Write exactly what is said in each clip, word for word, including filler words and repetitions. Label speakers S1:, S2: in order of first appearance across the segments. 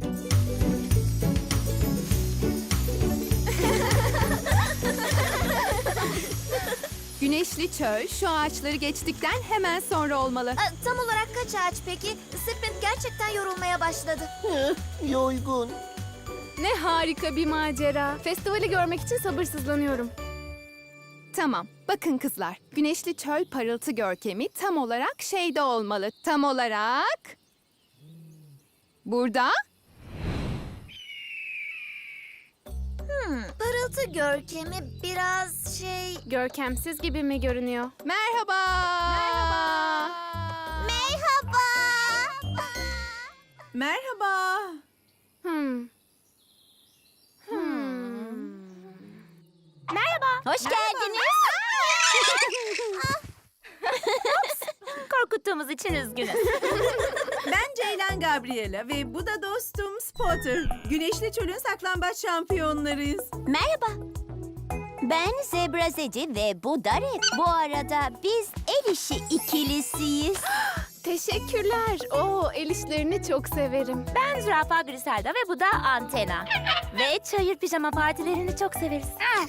S1: Güneşli çöl şu ağaçları geçtikten hemen sonra olmalı.
S2: Aa, tam olarak kaç ağaç peki? Sprint gerçekten yorulmaya başladı.
S3: Yoygun.
S4: Ne harika bir macera. Festivali görmek için sabırsızlanıyorum.
S1: Tamam, bakın kızlar. Güneşli çöl parıltı görkemi tam olarak şeyde olmalı. Tam olarak... Burada.
S2: Hmm, parıltı görkemi biraz şey...
S4: Görkemsiz gibi mi görünüyor?
S1: Merhaba. Merhaba.
S2: Merhaba.
S5: Merhaba.
S4: Hmm.
S2: Hoş geldiniz. Korkuttuğumuz için üzgünüz.
S5: Ben Ceylan Gabriela ve bu da dostum Spotter. Güneşli Çöl'ün saklambaç şampiyonlarıyız.
S2: Merhaba. Ben Zebra Zedi ve bu da Red. Bu arada biz el işi ikilisiyiz.
S4: Teşekkürler. Oo, el işlerini çok severim.
S2: Ben Zürafa Griselda ve bu da Antena. Ve çayır pijama partilerini çok severiz.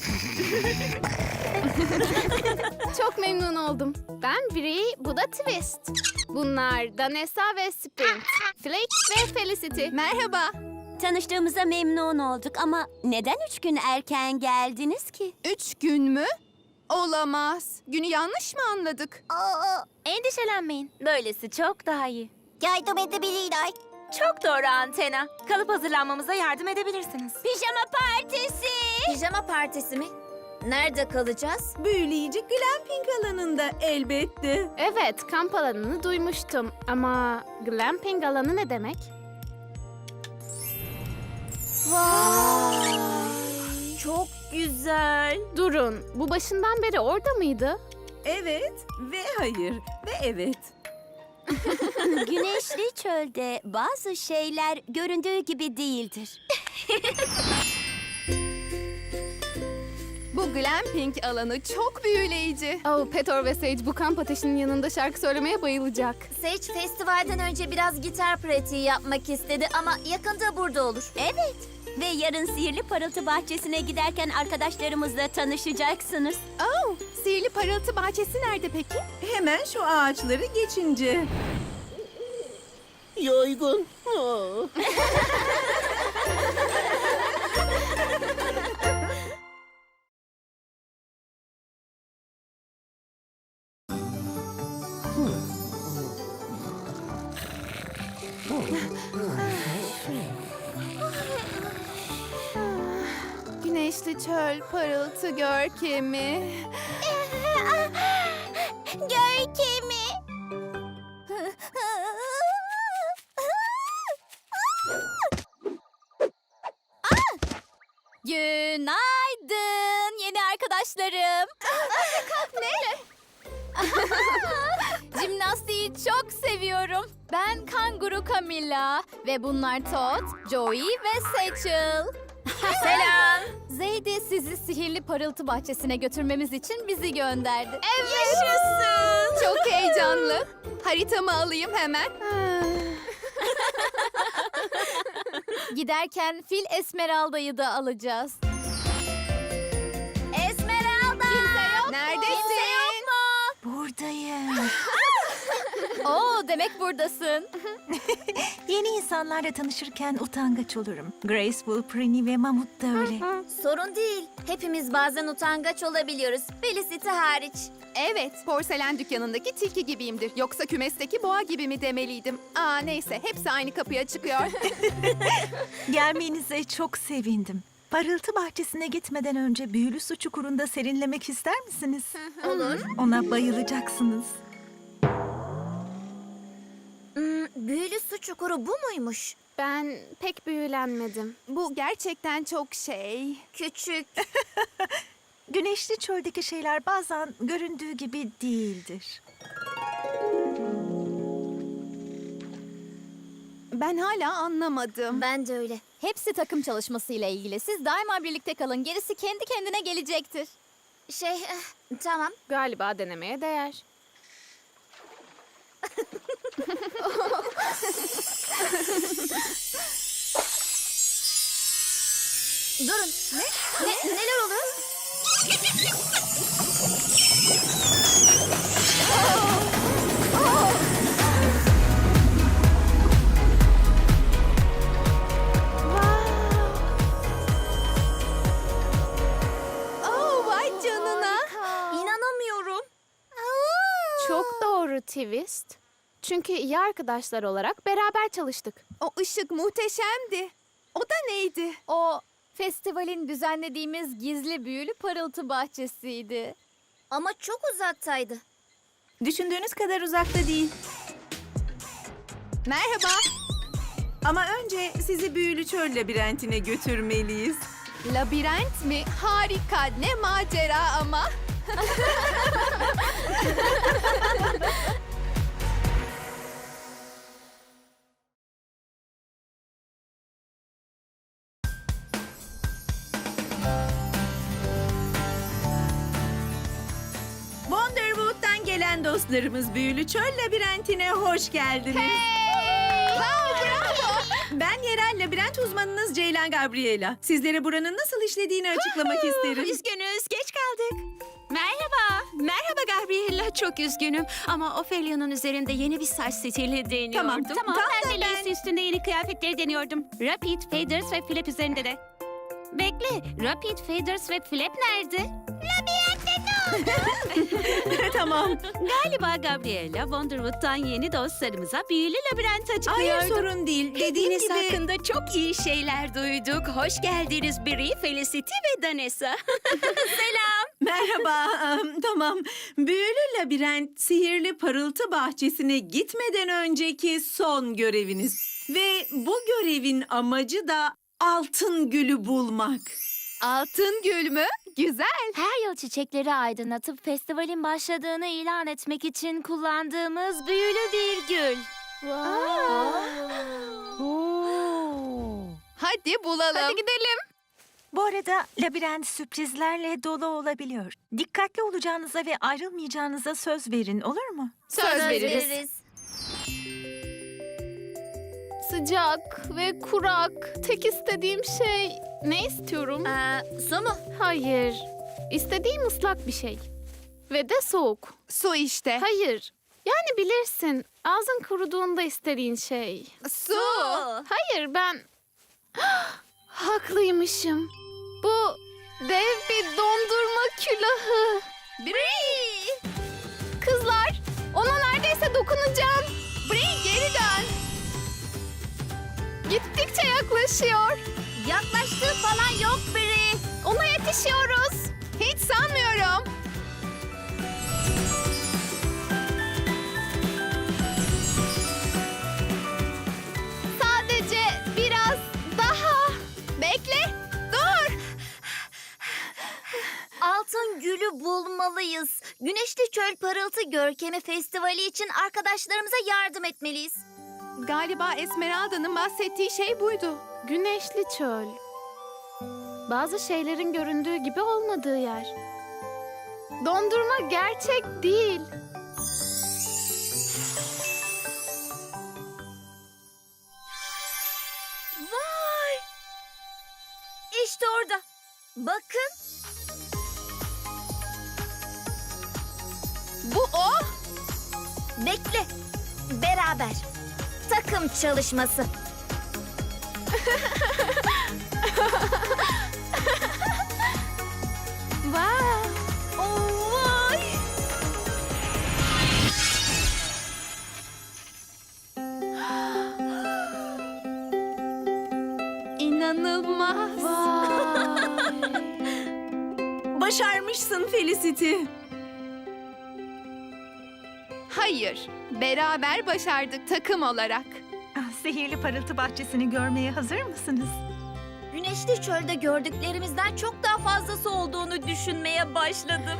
S4: Çok memnun oldum. Ben Bri, bu da Twist. Bunlar Danessa ve Sprint. Flake ve Felicity.
S1: Merhaba.
S2: Tanıştığımıza memnun olduk ama neden üç gün erken geldiniz ki?
S1: Üç gün mü? Olamaz. Günü yanlış mı anladık?
S2: Aa, endişelenmeyin. Böylesi çok daha iyi. Yardım edebilirler. Çok doğru Antena. Kalıp hazırlanmamıza yardım edebilirsiniz. Pijama partisi. Pijama partisi mi? Nerede kalacağız?
S5: Büyüleyici glamping alanında elbette.
S4: Evet, kamp alanını duymuştum. Ama glamping alanı ne demek?
S2: Vay. Çok güzel.
S4: Durun, bu başından beri orada mıydı?
S5: Evet ve hayır ve evet.
S2: Güneşli çölde bazı şeyler göründüğü gibi değildir.
S1: Bu glamping alanı çok büyüleyici.
S4: Oh, Petor ve Sage bu kamp ateşinin yanında şarkı söylemeye bayılacak.
S2: Sage festivalden önce biraz gitar pratiği yapmak istedi ama yakında burada olur. Evet. Ve yarın Sihirli Parıltı Bahçesi'ne giderken arkadaşlarımızla tanışacaksınız.
S1: Oh, sihirli parıltı bahçesi nerede peki?
S5: Hemen şu ağaçları geçince.
S3: Yoygun. Aa.
S1: Güneşli çöl parıltı görkemi.
S2: Görkemi. Günaydın yeni arkadaşlarım. Ne? Jimnastiği çok seviyorum. Ben kanguru Camilla ve bunlar Todd, Joey ve Satchel. Selam. Zeydi sizi sihirli parıltı bahçesine götürmemiz için bizi gönderdi. Evet. Yaşasın.
S1: Çok heyecanlı. Haritamı alayım hemen.
S2: Giderken fil Esmeralda'yı da alacağız. Esmeralda! Kimse yok
S1: Neredesin?
S2: Kimse yok mu?
S6: Buradayım.
S2: Oo, demek buradasın.
S6: Yeni insanlarla tanışırken utangaç olurum. Graceful, Prinny ve Mamut da öyle.
S2: Sorun değil. Hepimiz bazen utangaç olabiliyoruz. Felicity hariç.
S1: Evet, porselen dükkanındaki tilki gibiyimdir. Yoksa kümesteki boğa gibi mi demeliydim? Aa neyse, hepsi aynı kapıya çıkıyor.
S6: Gelmenize çok sevindim. Parıltı bahçesine gitmeden önce büyülü su çukurunda serinlemek ister misiniz?
S2: Olur.
S6: Ona bayılacaksınız.
S2: Hmm, büyülü su çukuru bu muymuş?
S4: Ben pek büyülenmedim.
S1: Bu gerçekten çok şey.
S2: Küçük.
S6: Güneşli çöldeki şeyler bazen göründüğü gibi değildir.
S1: Ben hala anlamadım.
S2: Ben de öyle. Hepsi takım çalışmasıyla ilgili. Siz daima birlikte kalın. Gerisi kendi kendine gelecektir. Şey, eh, tamam.
S4: Galiba denemeye değer.
S2: Durun. Ne? ne? Neler oluyor?
S1: Oh, vay canına.
S2: İnanamıyorum.
S4: Çok doğru Twist. Çünkü iyi arkadaşlar olarak beraber çalıştık.
S1: O ışık muhteşemdi. O da neydi?
S2: O festivalin düzenlediğimiz gizli büyülü parıltı bahçesiydi. Ama çok uzaktaydı.
S5: Düşündüğünüz kadar uzakta değil.
S1: Merhaba.
S5: Ama önce sizi büyülü çöl labirentine götürmeliyiz.
S1: Labirent mi? Harika. Ne macera ama.
S5: Wonderwood'dan gelen dostlarımız büyülü çöl labirentine hoş geldiniz. Ben yerel labirent uzmanınız Ceylan Gabriela. Sizlere buranın nasıl işlediğini açıklamak isterim.
S7: Üzgünüz, geç kaldık. Merhaba, merhaba Gabriella. Çok üzgünüm ama Ophelia'nın üzerinde yeni bir saç stili deniyordum.
S5: Tamam,
S7: Tamam,
S5: tam
S7: ben
S5: da
S7: de lace üstünde yeni kıyafetleri deniyordum. Rapid, Faders ve Flap üzerinde de. Bekle, Rapid, Faders ve Flap nerede?
S5: Tamam.
S7: Galiba Gabriella, Wonderwood'dan yeni dostlarımıza büyülü labirent açıklıyordu.
S5: Hayır, sorun değil. Dediğim
S7: Dediğiniz
S5: gibi...
S7: hakkında çok iyi şeyler duyduk. Hoş geldiniz Brie, Felicity ve Danessa.
S5: Merhaba, em, tamam. Büyülü labirent, sihirli parıltı bahçesine gitmeden önceki son göreviniz. Ve bu görevin amacı da altın gülü bulmak.
S1: Altın gül mü? Güzel.
S2: Her yıl çiçekleri aydınlatıp festivalin başladığını ilan etmek için kullandığımız büyülü bir gül.
S1: Hadi bulalım. Hadi gidelim.
S6: Bu arada labirent sürprizlerle dolu olabiliyor. Dikkatli olacağınıza ve ayrılmayacağınıza söz verin, olur mu?
S1: Söz, veririz.
S4: Sıcak ve kurak. Tek istediğim şey... Ne istiyorum?
S2: Ee, su mu?
S4: Hayır. İstediğim ıslak bir şey. Ve de soğuk.
S1: Su işte.
S4: Hayır. Yani bilirsin. Ağzın kuruduğunda istediğin şey.
S1: Su.
S4: Hayır ben... Haklıymışım. Bu dev bir dondurma külahı.
S1: Brie.
S4: Kızlar, ona neredeyse dokunacağım.
S1: Brie geri dön.
S4: Gittikçe yaklaşıyor.
S2: Yaklaştığı falan yok biri.
S4: Ona yetişiyoruz.
S1: Hiç sanmıyorum.
S4: Sadece biraz daha.
S1: Bekle. Dur.
S2: Altın gülü bulmalıyız. Güneşli Çöl Parıltı Görkemi Festivali için arkadaşlarımıza yardım etmeliyiz.
S1: Galiba Esmeralda'nın bahsettiği şey buydu.
S4: Güneşli çöl. Bazı şeylerin göründüğü gibi olmadığı yer. Dondurma gerçek değil.
S2: Vay! İşte orada. Bakın.
S1: Bu o.
S2: Bekle. Beraber. Takım çalışması.
S4: Vay!
S2: Oh, vay!
S1: İnanılmaz.
S5: Başarmışsın Felicity.
S1: Hayır. Beraber başardık takım olarak.
S6: Ah, sihirli parıltı bahçesini görmeye hazır mısınız?
S2: Güneşli çölde gördüklerimizden çok daha fazlası olduğunu düşünmeye başladım.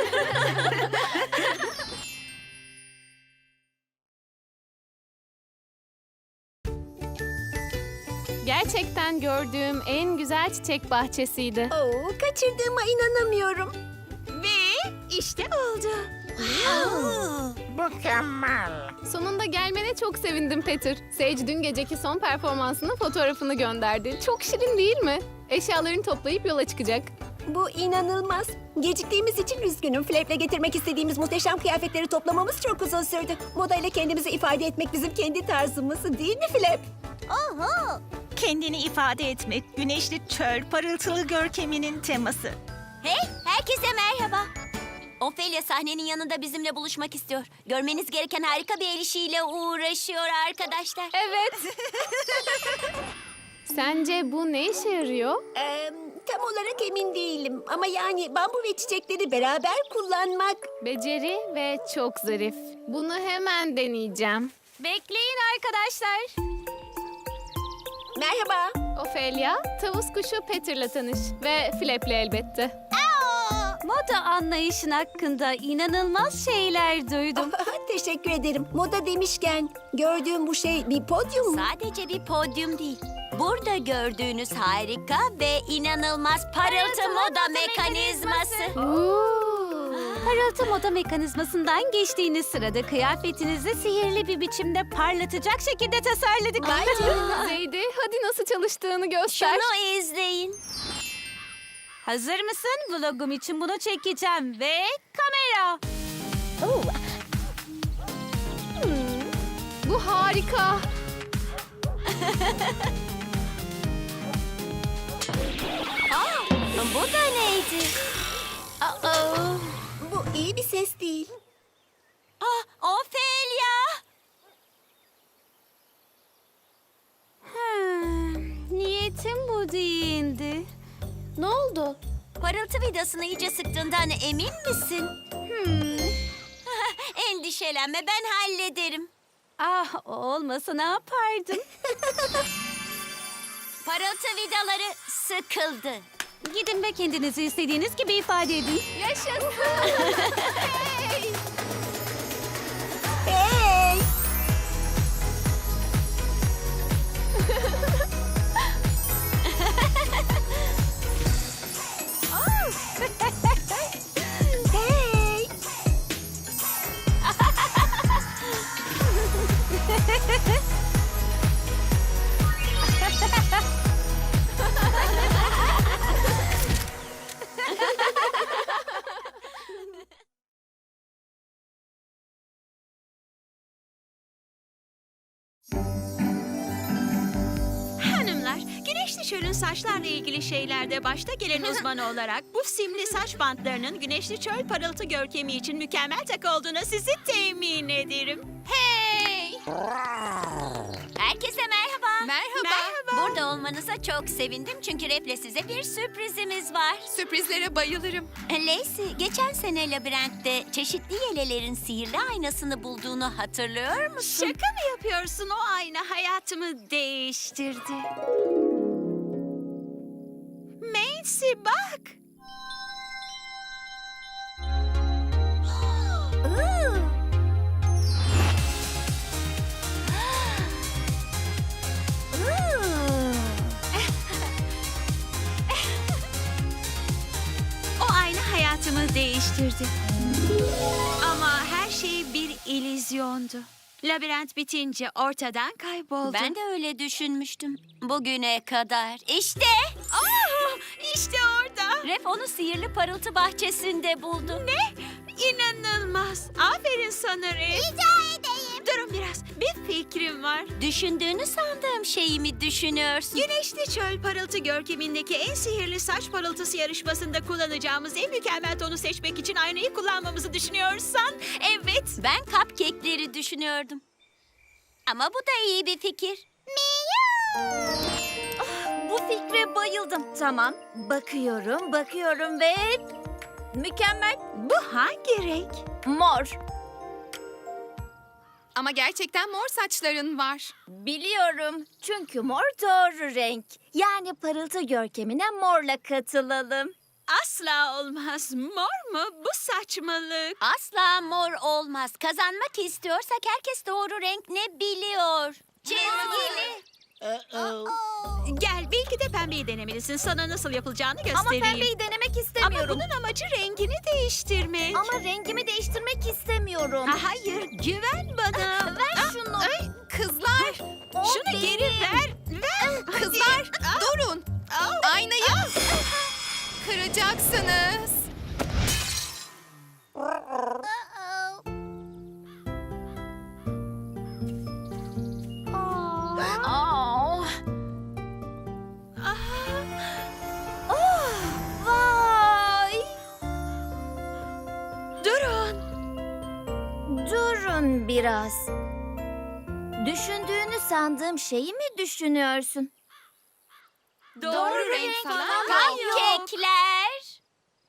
S4: Gerçekten gördüğüm en güzel çiçek bahçesiydi.
S7: Oo, kaçırdığıma inanamıyorum. Ve işte oldu.
S4: Sonunda gelmene çok sevindim Peter. Sage dün geceki son performansının fotoğrafını gönderdi. Çok şirin değil mi? Eşyalarını toplayıp yola çıkacak.
S8: Bu inanılmaz. Geciktiğimiz için üzgünüm. Flap'le getirmek istediğimiz muhteşem kıyafetleri toplamamız çok uzun sürdü. Modayla kendimizi ifade etmek bizim kendi tarzımız değil mi Flap?
S6: Kendini ifade etmek, güneşli çöl, parıltılı görkeminin teması.
S9: Hey, herkese merhaba. Ophelia sahnenin yanında bizimle buluşmak istiyor. Görmeniz gereken harika bir el işiyle uğraşıyor arkadaşlar.
S4: Evet. Sence bu ne işe yarıyor?
S8: Ee, tam olarak emin değilim. Ama yani bambu ve çiçekleri beraber kullanmak...
S4: Beceri ve çok zarif. Bunu hemen deneyeceğim.
S2: Bekleyin arkadaşlar.
S8: Merhaba.
S4: Ophelia, tavus kuşu Peter'la tanış ve Flap'le elbette.
S2: Moda anlayışın hakkında inanılmaz şeyler duydum.
S8: Teşekkür ederim. Moda demişken gördüğüm bu şey bir podyum mu?
S9: Sadece bir podyum değil. Burada gördüğünüz harika ve inanılmaz parıltı moda mekanizması.
S2: Parıltı moda mekanizmasından geçtiğiniz sırada kıyafetinizi sihirli bir biçimde parlatacak şekilde tasarladık.
S4: Zeydi, hadi nasıl çalıştığını göster.
S9: Şunu izleyin.
S2: Hazır mısın? Vlogum için bunu çekeceğim ve kamera.
S4: Bu harika.
S9: Bu da neydi? Aa,
S8: Bu iyi bir ses değil.
S9: ah, Ophelia!
S2: Hmm, niyetim bu değildi. Ne oldu?
S9: Parıltı vidasını iyice sıktığından emin misin?
S2: Hmm.
S9: Endişelenme, ben hallederim.
S2: Ah, o olmasa ne yapardım?
S9: Parıltı vidaları sıkıldı.
S2: Gidin ve kendinizi istediğiniz gibi ifade edin.
S4: Yaşasın.
S8: Hey! Hey!
S7: Hanımlar, güneşli çölün saçlarla ilgili şeylerde başta gelen uzman olarak bu simli saç bantlarının güneşli çöl parıltı görkemi için mükemmel takı olduğuna sizi temin ederim.
S9: Hey! Herkese merhaba.
S1: Merhaba.
S9: Burada olmanıza çok sevindim çünkü Rep'le size bir sürprizimiz var.
S1: Sürprizlere bayılırım.
S9: Lacey, geçen sene labirentte çeşitli yelelerin sihirli aynasını bulduğunu hatırlıyor musun?
S7: Şaka mı yapıyorsun? O ayna hayatımı değiştirdi. Macy bak. O ayna hayatımı değiştirdi. Ama her şey bir illüzyondu. Labirent bitince ortadan kayboldu.
S9: Ben de öyle düşünmüştüm. Bugüne kadar. İşte
S7: Aa, işte orada.
S9: Ref onu sihirli parıltı bahçesinde buldu.
S7: Ne? İnanılmaz. Aferin sana Ref. Rica edeyim. Durun biraz. Bir fikrim var.
S9: Düşündüğünü sandığım şeyi mi düşünüyorsun?
S7: Güneşli çöl parıltı görkemindeki en sihirli saç parıltısı yarışmasında kullanacağımız en mükemmel tonu seçmek için aynayı kullanmamızı düşünüyorsan evet.
S9: Ben cupcake'leri düşünüyordum. Ama bu da iyi bir fikir.
S2: Bu fikre bayıldım. Tamam, bakıyorum, bakıyorum ve... Mükemmel.
S7: Bu hangi renk?
S2: Mor.
S1: Ama gerçekten mor saçların var.
S2: Biliyorum. Çünkü mor doğru renk. Yani parıltı görkemine morla katılalım.
S7: Asla olmaz. Mor mu? Bu saçmalık.
S9: Asla mor olmaz. Kazanmak istiyorsak herkes doğru renk ne biliyor. Çizgili.
S7: Gel bir Belki de pembeyi denemelisin. Sana nasıl yapılacağını
S2: Ama
S7: göstereyim.
S2: pembeyi denemek
S7: Ama
S2: istemiyorum.
S7: bunun amacı rengini değiştirmek.
S2: Ama rengimi değiştirmek istemiyorum.
S7: Ha, hayır, güven bana.
S2: Ver şunu.
S1: Kızlar,
S2: O
S7: Şunu
S2: benim.
S7: geri ver. Ver.
S1: kızlar durun. Aynayı kıracaksınız.
S2: Aa. Oh, vay.
S7: Durun.
S2: Durun biraz. Düşündüğünü sandığım şeyi mi düşünüyorsun?
S7: Doğru, renk falan yok.
S9: Cupcake'ler.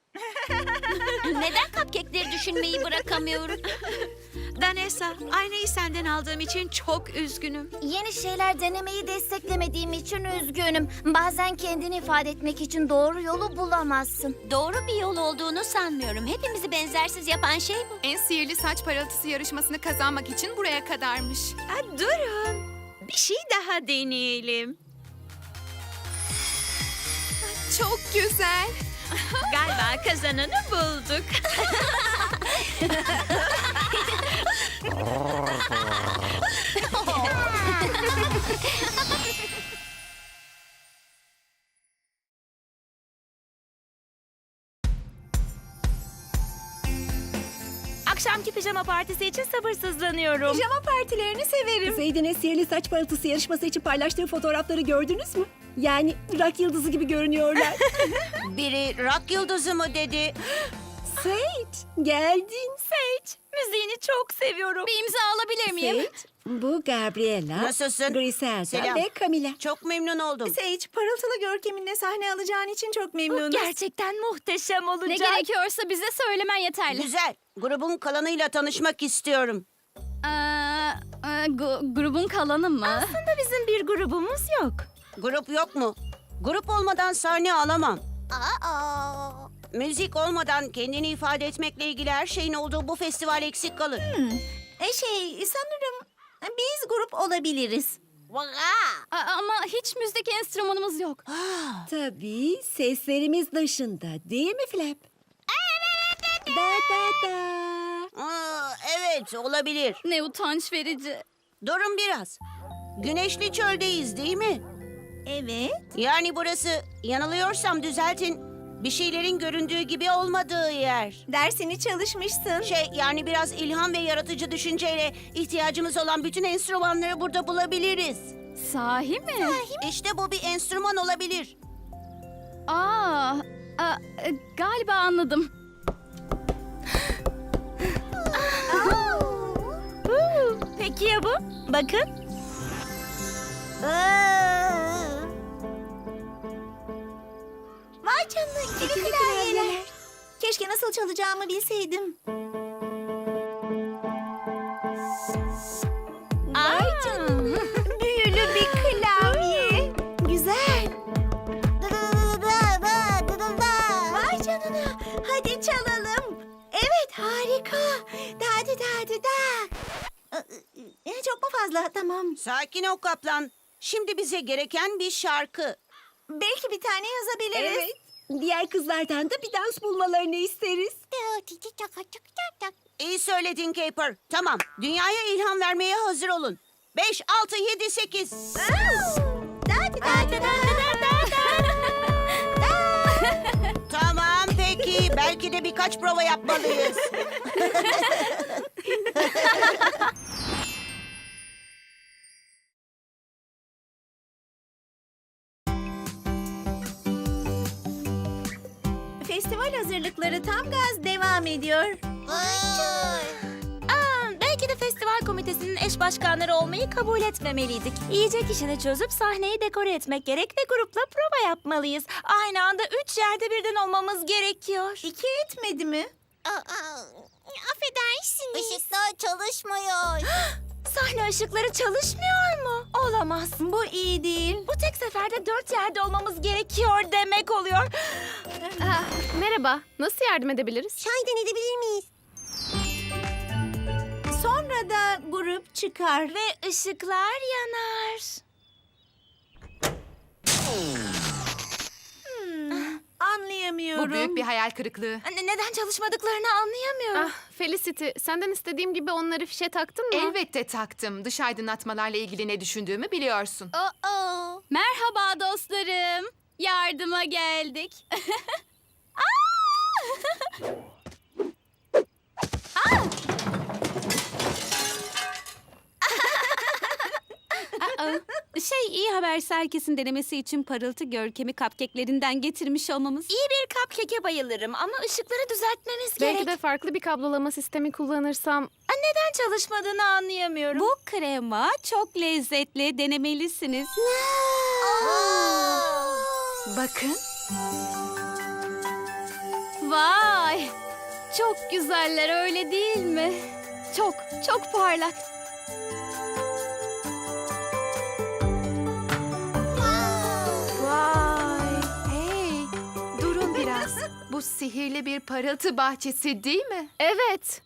S9: Neden cupcake'leri düşünmeyi bırakamıyorum?
S7: Danessa, aynayı senden aldığım için çok üzgünüm.
S2: Yeni şeyler denemeyi desteklemediğim için üzgünüm. Bazen kendini ifade etmek için doğru yolu bulamazsın.
S9: Doğru bir yol olduğunu sanmıyorum. Hepimizi benzersiz yapan şey bu.
S1: En sihirli saç parıltısı yarışmasını kazanmak için buraya kadarmış.
S7: Ha, durun. Bir şey daha deneyelim.
S1: Çok güzel.
S7: Galiba kazananı bulduk.
S6: Akşamki pijama partisi için sabırsızlanıyorum.
S8: Pijama partilerini severim. Zeydin'e sihirli saç parıltısı yarışması için paylaştığı fotoğrafları gördünüz mü? Yani rock yıldızı gibi görünüyorlar.
S9: Biri rock yıldızı mı dedi?
S8: Sage, geldin.
S6: Sage, müziğini çok seviyorum.
S2: Bir imza alabilir miyim?
S8: Sage, bu Gabriela,
S9: Nasılsın?
S8: Griselda
S9: Selam.
S8: ve Camila.
S9: Çok memnun oldum.
S5: Sage, parıltılı görkeminle sahne alacağın için çok memnunuz.
S6: Gerçekten muhteşem olacak.
S2: Ne gerekiyorsa bize söylemen yeterli.
S9: Güzel. Grubun kalanıyla tanışmak istiyorum.
S2: Ee, e, gu- grubun kalanı mı?
S6: Aslında bizim bir grubumuz yok.
S9: Grup yok mu? Grup olmadan sahne alamam. Müzik olmadan kendini ifade etmekle ilgili her şeyin olduğu bu festival eksik kalır.
S5: E şey, sanırım biz grup olabiliriz.
S2: A- ama hiç müzik enstrümanımız yok.
S8: Tabii seslerimiz dışında değil mi Flap? Evet. Da da da.
S9: Aa, evet, olabilir.
S2: Ne utanç verici.
S9: Durun biraz. Güneşli çöldeyiz değil mi?
S5: Evet.
S9: Yani burası, yanılıyorsam düzeltin, bir şeylerin göründüğü gibi olmadığı yer.
S5: Dersini çalışmışsın.
S9: Şey, yani biraz ilham ve yaratıcı düşünceyle ihtiyacımız olan bütün enstrümanları burada bulabiliriz.
S2: Sahi mi?
S9: İşte bu bir enstrüman olabilir.
S2: Aa, a- e, galiba anladım.
S6: Peki ya bu? Bakın.
S5: Vay canına, ikili klavyeler. Keşke nasıl çalacağımı bilseydim. Vay canına, büyülü bir klavye. Güzel. Vay canına, hadi çalalım. Evet, harika. Da da da da da. Ee, Çok mu fazla? Tamam.
S9: Sakin ol kaplan. Şimdi bize gereken bir şarkı.
S5: Belki bir tane yazabiliriz.
S8: Evet. Diğer kızlardan da bir dans bulmalarını isteriz.
S9: İyi söyledin Caper. Tamam, dünyaya ilham vermeye hazır olun. Beş, altı, yedi, sekiz. Tamam, peki. Belki de birkaç prova yapmalıyız.
S5: Festival hazırlıkları tam gaz devam ediyor.
S6: Aa, belki de festival komitesinin eş başkanları olmayı kabul etmemeliydik. Yiyecek işini çözüp sahneyi dekore etmek gerek ve grupla prova yapmalıyız. Aynı anda üç yerde birden olmamız gerekiyor.
S5: İki etmedi mi?
S2: Affedersiniz. Işıklar çalışmıyor.
S6: Sahne ışıkları çalışmıyor mu? Olamaz.
S5: Bu iyi değil.
S6: Bu tek seferde dört yerde olmamız gerekiyor demek oluyor.
S4: Ah, merhaba. Nasıl yardım edebiliriz?
S8: Şahiden edebilir miyiz?
S5: Sonra da grup çıkar.
S6: Ve ışıklar yanar.
S2: çalışıyorum.
S1: Bu büyük bir hayal kırıklığı.
S6: Ne- Neden çalışmadıklarını anlayamıyorum.
S4: Ah Felicity, senden istediğim gibi onları fişe taktın mı?
S1: Elbette taktım. Dış aydınlatmalarla ilgili ne düşündüğümü biliyorsun.
S2: Oh-oh. Merhaba dostlarım. Yardıma geldik.
S10: Şey, iyi haberse herkesin denemesi için parıltı görkemi cupcake'lerinden getirmiş olmamız.
S6: İyi bir cupcake'e bayılırım ama ışıkları düzeltmemiz
S4: Belki
S6: gerek.
S4: de farklı bir kablolama sistemi kullanırsam...
S6: Neden çalışmadığını anlayamıyorum.
S10: Bu krema çok lezzetli, denemelisiniz.
S1: Bakın.
S2: Vay! Çok güzeller öyle değil mi? Çok, çok parlak.
S1: Vay. Hey, durun biraz. Bu sihirli bir parıltı bahçesi değil mi?
S4: Evet.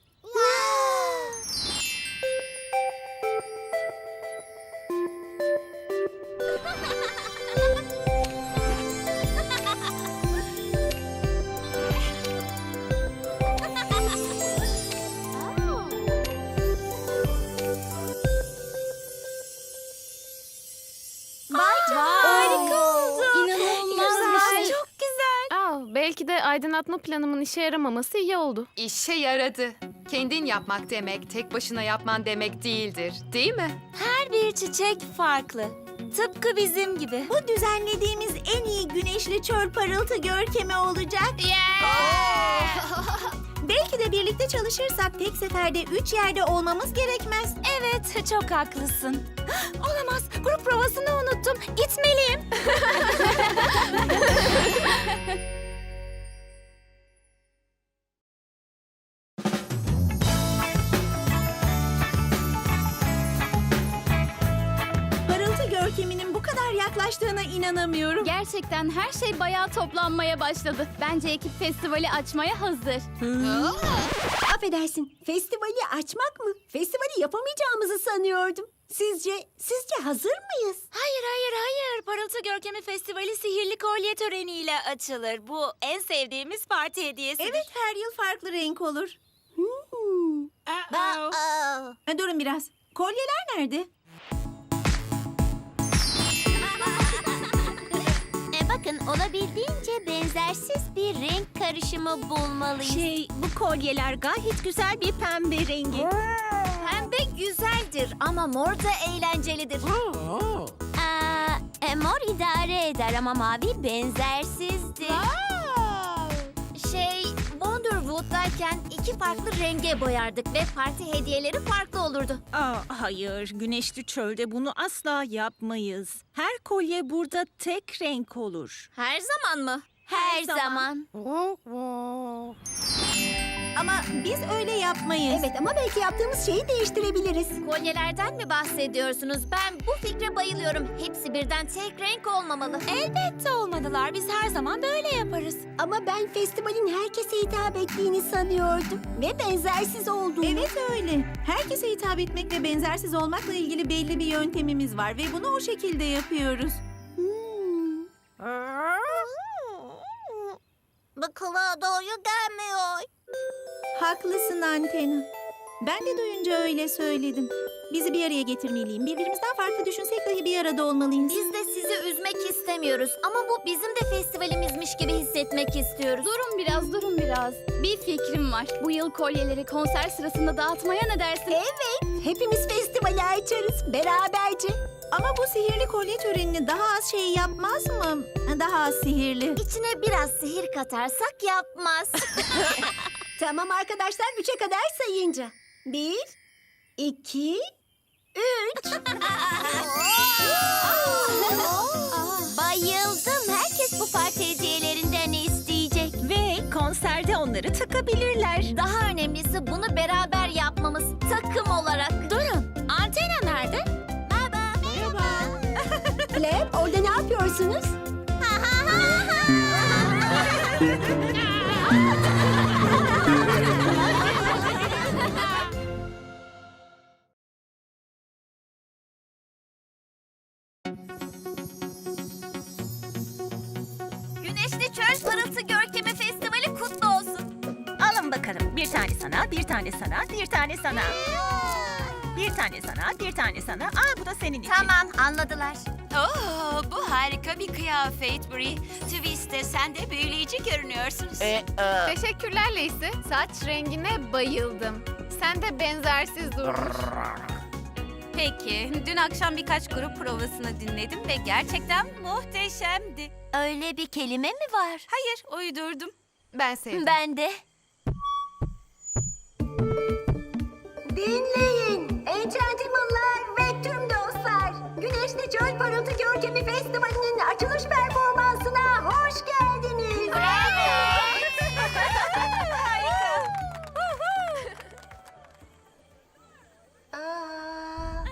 S2: Harika oldu. İnanılmaz bir şey.
S6: Çok güzel.
S4: Aa, belki de aydınlatma planımın işe yaramaması iyi oldu.
S1: İşe yaradı. Kendin yapmak demek, tek başına yapman demek değildir, değil mi?
S6: Her bir çiçek farklı. Tıpkı bizim gibi. Bu düzenlediğimiz en iyi güneşli çöl parıltı görkemi olacak. Belki de birlikte çalışırsak tek seferde üç yerde olmamız gerekmez. Evet, çok haklısın. Olamaz, grup provasını unuttum. Gitmeliyim. Parıltı görkeminin bu kadar yaklaştığına inanamıyorum.
S2: Gerçekten her şey bayağı toplanmaya başladı. Bence ekip festivali açmaya hazır.
S8: Affedersin, festivali açmak mı? Festivali yapamayacağımızı sanıyordum. Sizce, sizce hazır mıyız?
S6: Hayır, hayır, hayır. Parıltı Görkemi Festivali sihirli kolye töreniyle açılır. Bu en sevdiğimiz parti hediyesidir. Evet, her yıl farklı renk olur.
S8: Hmm.
S6: Ha, durun biraz. Kolyeler nerede?
S9: E bakın olabildiğince benzersiz bir renk karışımı bulmalıyız.
S6: Şey, bu kolyeler gayet güzel bir pembe rengi.
S9: Pembe güzeldir ama mor da eğlencelidir. Aa, e, mor idare eder ama mavi benzersizdir. Şey, Wonderwood'dayken iki farklı renge boyardık ve parti hediyeleri farklı olurdu.
S11: Aa, hayır, güneşli çölde bunu asla yapmayız. Her kolye burada tek renk olur.
S9: Her zaman mı? Her, zaman.
S6: Ama biz öyle yapmayız.
S8: Evet ama belki yaptığımız şeyi değiştirebiliriz.
S9: Kolyelerden mi bahsediyorsunuz? Ben bu fikre bayılıyorum. Hepsi birden tek renk olmamalı.
S6: Elbette olmadılar. Biz her zaman böyle yaparız.
S8: Ama ben festivalin herkese hitap ettiğini sanıyordum. Ve benzersiz olduğunu.
S6: Evet öyle. Herkese hitap etmek ve benzersiz olmakla ilgili belli bir yöntemimiz var ve bunu o şekilde yapıyoruz.
S8: Hmm.
S9: Bu kulağa doğru gelmiyor.
S6: Haklısın Antena. Ben de duyunca öyle söyledim. Bizi bir araya getirmeliyim. Birbirimizden farklı düşünsek dahi bir arada olmalıyız.
S9: Biz de sizi üzmek istemiyoruz ama bu bizim de festivalimizmiş gibi hissetmek istiyoruz.
S2: Durun biraz, durun biraz. Bir fikrim var. Bu yıl kolyeleri konser sırasında dağıtmaya ne dersin?
S8: Evet, hepimiz festivali açarız beraberce.
S6: Ama bu sihirli kolye törenini daha az şey yapmaz mı? Daha az sihirli.
S9: İçine biraz sihir katarsak yapmaz.
S8: Tamam arkadaşlar, üçe kadar sayınca. Bir, iki, üç.
S9: Bayıldım. Herkes bu parti hediyelerinden isteyecek.
S11: Ve konserde onları takabilirler.
S9: Daha önemlisi bunu beraber yapmamız takım olarak. Durun. Antena nerede? Merhaba. Merhaba.
S8: Flap, orada ne yapıyorsunuz?
S9: Güneşli Çöl Parıltı Görkemi Festivali
S6: tane sana, bir tane sana, bir tane sana. Bir tane sana, bir tane sana. Aa, bu da senin için.
S9: Tamam, anladılar.
S7: Oo, bu harika bir kıyafet Brie. Twist'te sen de büyüleyici görünüyorsunuz.
S3: E, e,
S4: Teşekkürler Lacey. Saç rengine bayıldım. Sen de benzersiz durmuş.
S10: Peki, dün akşam birkaç grup provasını dinledim ve gerçekten muhteşemdi.
S9: Öyle bir kelime mi var?
S10: Hayır, uydurdum.
S1: Ben sevdim.
S9: Ben de.
S8: Dinleyin Enchantimal'lar ve tüm dostlar. Güneşli Çöl Parıltı Görkemi Festivali'nin açılış performansına hoş geldiniz. Aa,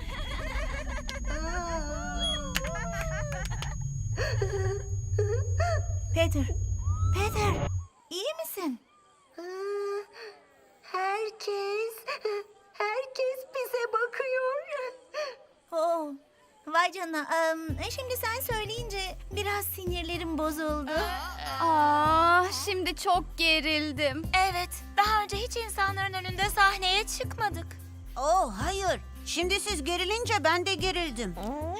S9: Peter, Peter, iyi misin?
S8: aa, herkes, herkes bize bakıyor.
S9: Oh, vay canına. Em, şimdi sen söyleyince biraz sinirlerim bozuldu.
S2: Aa, şimdi çok gerildim.
S6: Evet, daha önce hiç insanların önünde sahneye çıkmadık.
S9: Oh, hayır. Şimdi siz gerilince ben de gerildim.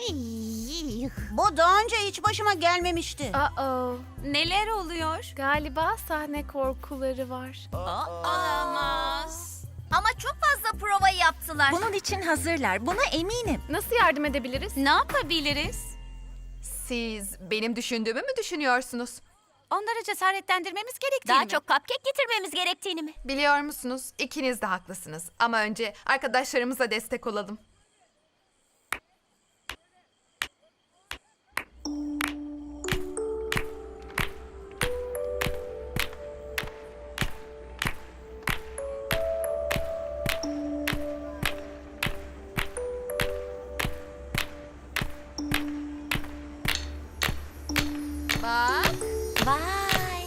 S9: Bu daha önce hiç başıma gelmemişti.
S4: Uh-oh.
S10: Neler oluyor?
S4: Galiba sahne korkuları var.
S10: Olamaz.
S9: Ama çok fazla prova yaptılar.
S6: Bunun için hazırlar, buna eminim.
S4: Nasıl yardım edebiliriz?
S10: Ne yapabiliriz?
S1: Siz benim düşündüğümü mü düşünüyorsunuz?
S10: Onları cesaretlendirmemiz gerektiğini
S9: Daha
S10: mi?
S9: çok cupcake getirmemiz gerektiğini mi?
S1: Biliyor musunuz? İkiniz de haklısınız. Ama önce arkadaşlarımıza destek olalım. Bak.
S9: Vay.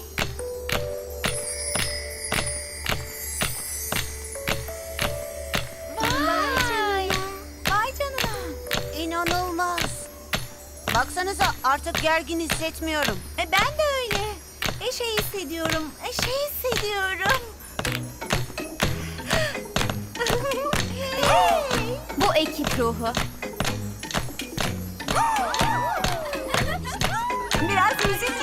S9: Vay. Vay canına. İnanılmaz. Baksanıza artık gergin hissetmiyorum. E, ben de öyle. E, şey hissediyorum. E, şey hissediyorum.
S2: Bu ekip ruhu.
S8: Biraz müzik